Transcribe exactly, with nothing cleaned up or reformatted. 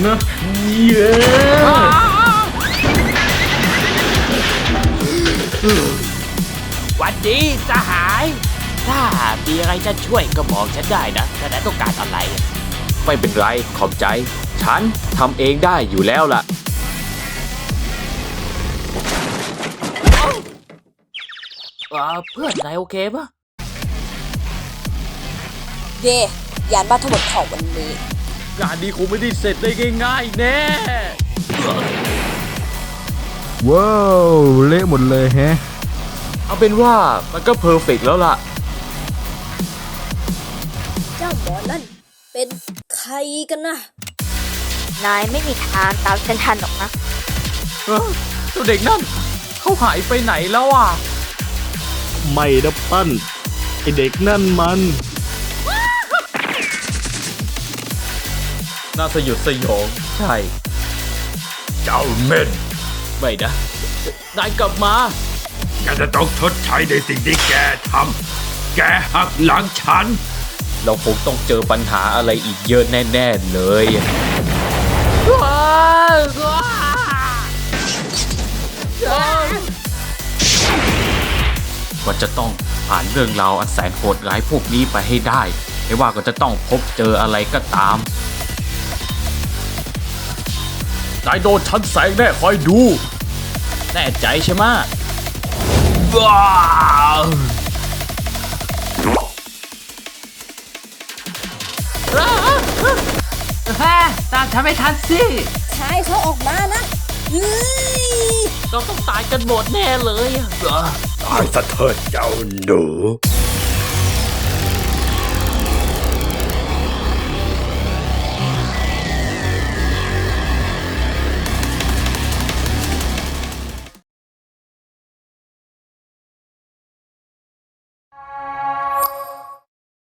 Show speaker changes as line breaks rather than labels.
นะเย้
หวัดดีสหายถ้ามีอะไรจะช่วยก็บอกฉันได้นะถ้านายต้องการอะไร
ไม่เป็นไรขอบใจฉันทำเองได้อยู่แล้วล่ะ
เออเพื่อนนายโอเคปะ
เย่ยานบ้านทั้งหมดของวันนี้
งานนี้คงไม่ได้เสร็จได้ง่ายๆแน่
ว้าวเละหมดเลยแฮะ
เอาเป็นว่ามันก็เพอร์เฟกต์แล้วล่ะ
เจ้าหมอนั่นเป็นใครกันนะ
นายไม่มีทางตามฉันทันหรอกนะ
เออตัวเด็กนั่นเขาหายไปไหนแล้วอ่ะ
ไม่นะปั้นไอเด็กนั่นมัน
น่าสยดสยองใช่
เจ้าเม่น
ไม่นะนายกลับมา
แกจะต้องชดใช้ในสิ่งที่แกทำแกหักหลังฉัน
เราคงต้องเจอปัญหาอะไรอีกเยอะแน่ๆเลยก็จะต้องผ่านเรื่องราวอันแสนโหดร้ายพวกนี้ไปให้ได้ไม่ว่าก็จะต้องพบเจออะไรก็ตามนายโดนฉันแสงแน่คอยดูแน่ใจใช่ไหมว้าว
แฮ่ตามฉันไม่ทันสิ
ชายเขาออกมานะเฮ้ย
เราต้องตายกันหมดแน่เลย
ตายซะเถิดเจ้าหนู